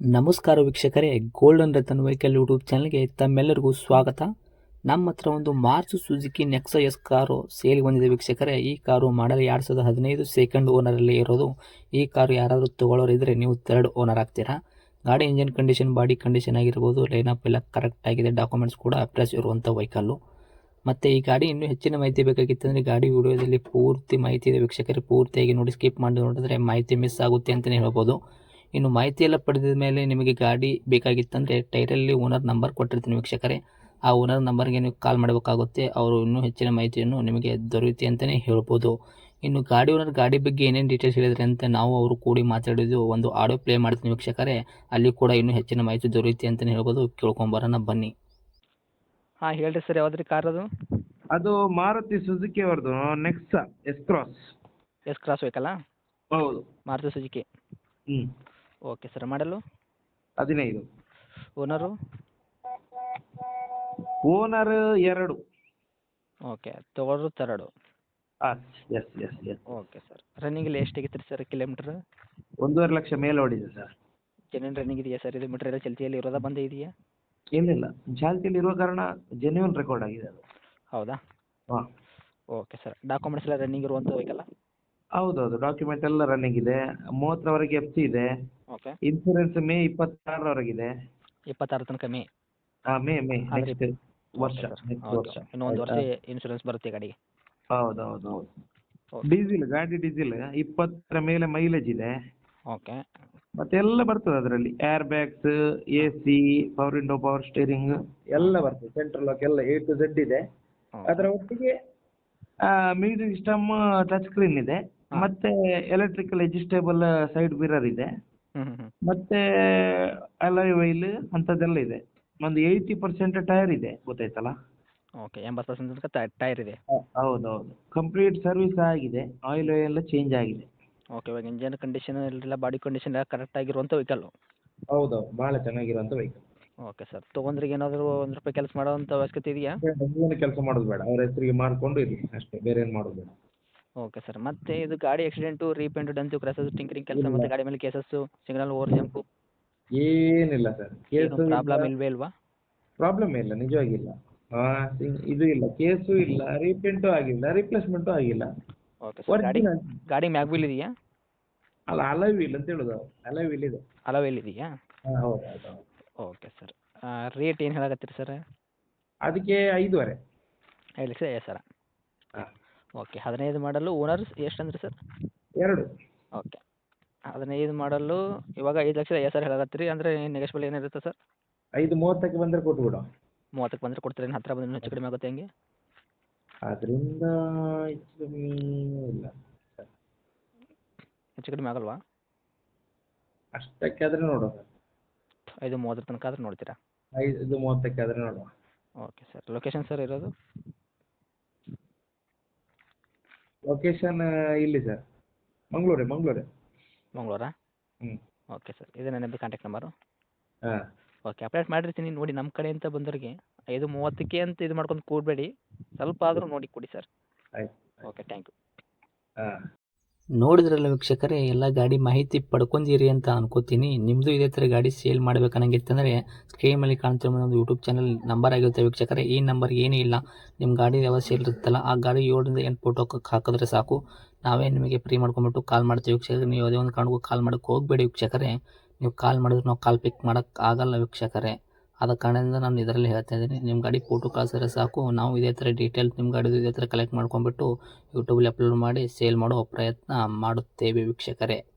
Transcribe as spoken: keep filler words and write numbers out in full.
ನಮಸ್ಕಾರ ವೀಕ್ಷಕರೇ, golden Ratan vehicle YouTube ಚಾನಲ್ಗೆ ತಮ್ಮೆಲ್ಲರಿಗೂ ಸ್ವಾಗತ. ನಮ್ಮ ಹತ್ರ ಒಂದು ಮಾರ್ಚ್ Suzuki Nexa S car sale ಬಂದಿದೆ ವೀಕ್ಷಕರೇ. ಈ ಕಾರು ಮಾಡಲ್ ಎರಡು ಸಾವಿರದ ಹದಿನೈದು ಸೆಕೆಂಡ್ ಓನರಲ್ಲಿ ಇರೋದು. ಈ ಕಾರು ಯಾರಾದರೂ ತೊಗೊಳ್ಳೋರು ಇದ್ದರೆ ನೀವು ಥರ್ಡ್ ಓನರ್ ಆಗ್ತೀರಾ. ಗಾಡಿ ಇಂಜಿನ್ ಕಂಡೀಷನ್, ಬಾಡಿ ಕಂಡೀಷನ್ ಆಗಿರ್ಬೋದು, ಲೈನಪ್ ಎಲ್ಲ ಕರೆಕ್ಟ್ ಆಗಿದೆ, ಡಾಕ್ಯುಮೆಂಟ್ಸ್ ಕೂಡ ಫ್ರೆಶ್ ಇರುವಂಥ ವೆಹಿಕಲ್ಲು. ಮತ್ತು ಈ ಗಾಡಿ ಇನ್ನೂ ಹೆಚ್ಚಿನ ಮಾಹಿತಿ ಬೇಕಾಗಿತ್ತಂದರೆ ಗಾಡಿ ವಿಡಿಯೋದಲ್ಲಿ ಪೂರ್ತಿ ಮಾಹಿತಿ ಇದೆ ವೀಕ್ಷಕರೇ. ಪೂರ್ತಿಯಾಗಿ ನೋಡಿ, ಸ್ಕಿಪ್ ಮಾಡಿ ನೋಡಿದ್ರೆ ಮಾಹಿತಿ ಮಿಸ್ ಆಗುತ್ತೆ ಅಂತಲೇ ಹೇಳ್ಬೋದು. ಇನ್ನು ಮಾಹಿತಿ ಎಲ್ಲ ಪಡೆದ ಮೇಲೆ ನಿಮಗೆ ಗಾಡಿ ಬೇಕಾಗಿತ್ತಂದರೆ ಟೈಟಲಲ್ಲಿ ಓನರ್ ನಂಬರ್ ಕೊಟ್ಟಿರ್ತೀನಿ ವೀಕ್ಷಕರೇ. ಆ ಓನರ್ ನಂಬರ್ಗೆ ನೀವು ಕಾಲ್ ಮಾಡಬೇಕಾಗುತ್ತೆ. ಅವರು ಇನ್ನೂ ಹೆಚ್ಚಿನ ಮಾಹಿತಿಯನ್ನು ನಿಮಗೆ ದೊರೆಯುತ್ತೆ ಅಂತಲೇ ಹೇಳ್ಬೋದು. ಇನ್ನು ಗಾಡಿ ಓನರ್ ಗಾಡಿ ಬಗ್ಗೆ ಏನೇನು ಡೀಟೇಲ್ಸ್ ಹೇಳಿದ್ರೆ ಅಂತ ನಾವು ಅವರು ಕೂಡಿ ಮಾತಾಡಿದ್ದು ಒಂದು ಆಡಿಯೋ ಪ್ಲೇ ಮಾಡ್ತೀನಿ ವೀಕ್ಷಕರೇ. ಅಲ್ಲಿ ಕೂಡ ಇನ್ನೂ ಹೆಚ್ಚಿನ ಮಾಹಿತಿ ದೊರೆಯುತ್ತೆ ಅಂತಲೇ ಹೇಳ್ಬೋದು. ಕೇಳ್ಕೊಂಬರೋಣ ಬನ್ನಿ. ಹಾಂ ಹೇಳ್ರಿ ಸರ್, ಯಾವ್ದು ರೀ ಕಾರ್ ಅದು? ಅದು ಮಾರುತಿ ಸುಜುಕಿ ಅವ್ರದ್ದು Nexa S cross. S cross ಬೇಕಲ್ಲ? ಹೌದು. ಮಾರುತಿ ಸುಜುಕಿ. ಹ್ಞೂ ಓಕೆ ಸರ್. ಮಾಡಲು? ಹದಿನೈದು. ಓನರು? ಓನರ್ ಎರಡು. ಓಕೆ, ತೊಗೊಳೋರು ತರಡು. ಹಾಂ S S S. Okay sir. ರನ್ನಿಂಗಲ್ಲಿ ಎಷ್ಟು ಆಗಿತ್ತು ರೀ ಸರ್ ಕಿಲೋಮೀಟ್ರ್? ಒಂದೂವರೆ ಲಕ್ಷ ಮೇಲೆ ಓಡಿದೆ ಸರ್. ಜೆನ್ಯೂನ್ ರನ್ನಿಂಗ್ ಇದೆಯಾ ಸರ್? ಇದು ಮೀಟ್ರ್ ಎಲ್ಲ ಚಲ್ತಿಯಲ್ಲಿ ಇರೋದಾ ಬಂದೇ ಇದೆಯಾ? ಏನಿಲ್ಲ, ಚಾಲ್ತಿಯಲ್ಲಿ ಇರುವ ಕಾರಣ ಜೆನ್ಯೂನ್ ರೆಕಾರ್ಡ್ ಆಗಿದೆ ಅದು. ಹೌದಾ? ಹಾಂ ಓಕೆ ಸರ್. ಡಾಕ್ಯುಮೆಂಟ್ಸ್ ಎಲ್ಲ ರನ್ನಿಂಗ್ ಇರುವಂಥ ಬೇಕಲ್ಲ? ಹೌದೌದು, ಡಾಕ್ಯುಮೆಂಟ್ ಎಲ್ಲ ರನ್ನಿಂಗ್ ಇದೆ. ಮೂವತ್ತರವರೆಗೆ ಎಫ್ ಸಿ ಇದೆ. ಓಕೆ. ಇನ್ಸೂರೆನ್ಸ್ ಮೇ ಇಪ್ಪತ್ತಾರರವರೆಗಿದೆ. ಇಪ್ಪತ್ತಾರು ತನಕ ಮೇ? ಹಾಂ ಮೇ ಮೇ ಆದ್ರೆ ನೆಕ್ಸ್ಟ್ ವರ್ಷ ನೆಕ್ಸ್ಟ್ ವರ್ಷ. ಇನ್ನೂ ಒಂದು ವರ್ಷ ಇನ್ಶೂರೆನ್ಸ್ ಬರುತ್ತೆ ಗಾಡಿಗೆ? ಹೌದು ಹೌದು ಹೌದು. ಓಕೆ. ಡೀಸೆಲ್ ಗಾಡಿ ಡೀಸೆಲ್ ಇಪ್ಪತ್ತರ ಮೇಲೆ ಮೈಲೇಜ್ ಇದೆ. ಓಕೆ. ಮತ್ತೆಲ್ಲ ಬರ್ತದೆ ಅದರಲ್ಲಿ. Air bags, A C, power window, power steering ಎಲ್ಲ ಬರ್ತದೆ. ಸೆಂಟ್ರಲ್ ಲಾಕ್ ಎಲ್ಲ ಎ ಟು ಝೆಡ್ ಇದೆ. ಅದರ ಒಟ್ಟಿಗೆ ಮ್ಯೂಸಿಕ್ ಸಿಸ್ಟಮ್, ಟಚ್ ಸ್ಕ್ರೀನ್ ಇದೆ. ಮತ್ತೆ ಎಲೆಕ್ಟ್ರಿಕಲ್ ಅಡ್ಜಸ್ಟೇಬಲ್ ಸೈಡ್ ಮಿರರ್ ಇದೆ. ಹ್ಞೂ ಹ್ಞೂ ಹ್ಞೂ ಮತ್ತೆ ಅಲಾಯ್ ವೈಲ್ ಅಂಥದ್ದೆಲ್ಲ ಇದೆ. ಒಂದು ಏಯ್ಟಿ ಪರ್ಸೆಂಟ್ ಟೈರ್ ಇದೆ, ಗೊತ್ತಾಯ್ತಲ್ಲ? ಓಕೆ, ಎಂಬತ್ತು ಪರ್ಸೆಂಟ್ ತನಕ ಟೈರ್ ಇದೆ. ಹೌದೌದು, ಕಂಪ್ಲೀಟ್ ಸರ್ವಿಸ್ ಆಗಿದೆ. ಆಯಿಲ್ ಎಲ್ಲ ಚೇಂಜ್ ಆಗಿದೆ. ಓಕೆ. ಇವಾಗ ಇಂಜನ್ ಕಂಡೀಷನ್ ಎಲ್ಲ ಬಾಡಿ ಕಂಡೀಷನ್ ಎಲ್ಲ ಕರೆಕ್ಟ್ ಆಗಿರುವಂಥ ವೆಹಿಕಲ್ಲು? ಹೌದೌದು, ಭಾಳ ಚೆನ್ನಾಗಿರುವಂಥ ವೆಹಿಕಲ್. Okay sir. ತೊಗೊಂಡ್ರಿಗೆ ಏನಾದರೂ ಒಂದು ರೂಪಾಯಿ ಕೆಲಸ ಮಾಡೋವಂಥ ಅವಶ್ಯಕತೆ ಇದೆಯಾ? ಏನು ಕೆಲಸ ಮಾಡೋದು ಬೇಡ, ಅವ್ರ ಹೆಸರಿಗೆ ಮಾಡಿಕೊಂಡು ಇರಲಿ ಅಷ್ಟೇ, ಬೇರೆ ಏನು ಮಾಡೋದು ಬೇಡ. Okay sir. ಮತ್ತೆ ಇದು ಗಾಡಿ ಆಕ್ಸಿಡೆಂಟು, ರೀಪೇಂಟ್, ಡಂತು, ಕ್ರಾಸಸ್, ಟಿಂಕರಿಂಗ್ ಕೆಲಸ ಮತ್ತು ಗಾಡಿ ಮೇಲೆ ಕೇಸಸ್ಸು, ಸಿಗ್ನಲ್ ಓವರ್ ಜಂಪು ಏನಿಲ್ಲ ಸರ್. ಏನು ಪ್ರಾಬ್ಲಮ್ ಇಲ್ವೇ ಇಲ್ವಾ? ಪ್ರಾಬ್ಲಮ್ ಇಲ್ಲ, ನಿಜವಾಗಿಲ್ಲ. ಹಾಂ, ಇದು ಇಲ್ಲ, ಕೇಸು ಇಲ್ಲ, ರೀಪೇಂಟು ಆಗಿಲ್ಲ, ರಿಪ್ಲೇಸ್ಮೆಂಟು ಆಗಿಲ್ಲ. Okay sir. ಗಾಡಿ Original. ಗಾಡಿ ಮ್ಯಾಗ್ ವೀಲ್ ಇದೆಯಾ? ಅಲ್ಲ, ಅಲೈ ವೀಲ್ ಅಂತ ಹೇಳೋದು. ಅಲೈ ವೀಲ್ ಇದೆ. ಅಲೋ ವೀಲ್ ಇದೆಯಾ? ಹಾಂ ಹೌದು ಹೌದು ಹೌದು. Okay sir. ರೇಟ್ ಏನು ಹೇಳಕತ್ತೀರಿ ಸರ್? ಅದಕ್ಕೆ ಐದುವರೆ. ಐದು ಲಕ್ಷ ಐವತ್ತು ಸಾವಿರ. ಹಾಂ. ಓಕೆ. ಹದಿನೈದು ಮಾಡಲು. ಓನರ್ ಎಷ್ಟು ಅಂದ್ರಿ ಸರ್? ಎರಡು. ಓಕೆ. ಹದಿನೈದು ಮಾಡಲು ಇವಾಗ ಐದು ಲಕ್ಷದ ಐವತ್ತು ಸಾವಿರ ಹೇಳಕತ್ತೀರಿ. ಅಂದರೆ ನೆಗೋಷಿಯಬಲ್ ಏನಿರುತ್ತೆ ಸರ್? ಐದು ಮೂವತ್ತಕ್ಕೆ ಬಂದರೆ ಕೊಟ್ಬಿಡು. ಮೂವತ್ತಕ್ಕೆ ಬಂದರೆ ಕೊಡ್ತೀರಿ? ಏನು ಹತ್ತಿರ ಬಂದರೆ ಹೆಚ್ಚು ಕಡಿಮೆ ಆಗುತ್ತೆ ಹೆಂಗೆ? ಅದರಿಂದ ಹೆಚ್ಚು ಕಮ್ಮಿ ಇಲ್ಲ ಸರ್. ಹೆಚ್ಚು ಕಡಿಮೆ ಆಗಲ್ವಾ? ಅಷ್ಟಕ್ಕೆ ಆದರೆ ನೋಡುವ. ಐದು ಮೂವತ್ತರ ತನಕ ಆದ್ರೆ ನೋಡ್ತೀರಾ? ಐದು ಮೂವತ್ತಕ್ಕೆ ಆದರೆ ನೋಡುವ. Okay sir. ಲೊಕೇಶನ್ ಸರ್ ಇರೋದು? ಲೊಕೇಶನ್ ಇಲ್ಲಿ ಸರ್, ಮಂಗಳೂರೇ ಮಂಗಳೂರೇ. ಮಂಗಳೂರಾ? ಹ್ಞೂ. Okay sir. ಇದೇ ನನ್ನದು ಕಾಂಟ್ಯಾಕ್ಟ್ ನಂಬರು? ಹಾಂ. ಓಕೆ. ಅಪ್ಡೇಟ್ ಮಾಡಿರ್ತೀನಿ ನೋಡಿ. ನಮ್ಮ ಕಡೆಯಿಂದ ಬಂದವರಿಗೆ ಐದು ಮೂವತ್ತಕ್ಕೆ ಅಂತ ಇದು ಮಾಡ್ಕೊಂಡು ಕೂಡಬೇಡಿ, ಸ್ವಲ್ಪ ಆದರೂ ನೋಡಿ ಕೊಡಿ ಸರ್. ಆಯ್ತು. Okay, thank ಹಾಂ. ನೋಡಿದ್ರಲ್ಲ ವೀಕ್ಷಕರೇ, ಎಲ್ಲ ಗಾಡಿ ಮಾಹಿತಿ ಪಡ್ಕೊಂಡಿರಿ ಅಂತ ಅನ್ಕೋತೀನಿ. ನಿಮ್ಮದು ಇದೇ ಥರ ಗಾಡಿ ಸೇಲ್ ಮಾಡಬೇಕನ್ನಂಗಿತ್ತಂದರೆ ಸ್ಕ್ರೀನ್ ಮೇಲೆ ಕಾಣ್ತಿರೋ ಒಂದು ಯೂಟ್ಯೂಬ್ ಚಾನಲ್ ನಂಬರ್ ಆಗಿರುತ್ತೆ ವೀಕ್ಷಕರೇ. ಈ ನಂಬರ್ ಏನೂ ಇಲ್ಲ, ನಿಮ್ಮ ಗಾಡಿ ಯಾವ ಸೇಲ್ ಇರುತ್ತಲ್ಲ ಆ ಗಾಡಿ ಏಳರಿಂದ ಎಂಟು ಫೋಟೋ ಹಾಕಿದ್ರೆ ಸಾಕು, ನಾವೇ ನಿಮಗೆ ಫ್ರೀ ಮಾಡ್ಕೊಂಬಿಟ್ಟು ಕಾಲ್ ಮಾಡ್ತೀವಿ ವೀಕ್ಷಕರೇ. ನೀವು ಯಾವುದೇ ಒಂದು ಕಾರಣಕ್ಕೂ ಕಾಲ್ ಮಾಡೋಕ್ಕೆ ಹೋಗಬೇಡಿ ವೀಕ್ಷಕರೇ. ನೀವು ಕಾಲ್ ಮಾಡಿದ್ರೆ ನಾವು ಕಾಲ್ ಪಿಕ್ ಮಾಡೋಕ್ಕೆ ಆಗಲ್ಲ ವೀಕ್ಷಕರೇ. ಆದ ಕಾರಣದಿಂದ ನಾನು ಇದರಲ್ಲಿ ಹೇಳ್ತಾ ಇದ್ದೀನಿ, ನಿಮ್ಮ ಗಾಡಿ ಫೋಟೋ ಕಳಿಸಿದ್ರೆ ಸಾಕು, ನಾವು ಇದೇ ಥರ ಡೀಟೇಲ್ಸ್ ನಿಮ್ಮ ಗಾಡಿದು ಇದೇ ಥರ ಕಲೆಕ್ಟ್ ಮಾಡ್ಕೊಂಬಿಟ್ಟು ಯೂಟ್ಯೂಬಲ್ಲಿ ಅಪ್ಲೋಡ್ ಮಾಡಿ ಸೇಲ್ ಮಾಡೋ ಪ್ರಯತ್ನ ಮಾಡುತ್ತೇವೆ ವೀಕ್ಷಕರೇ.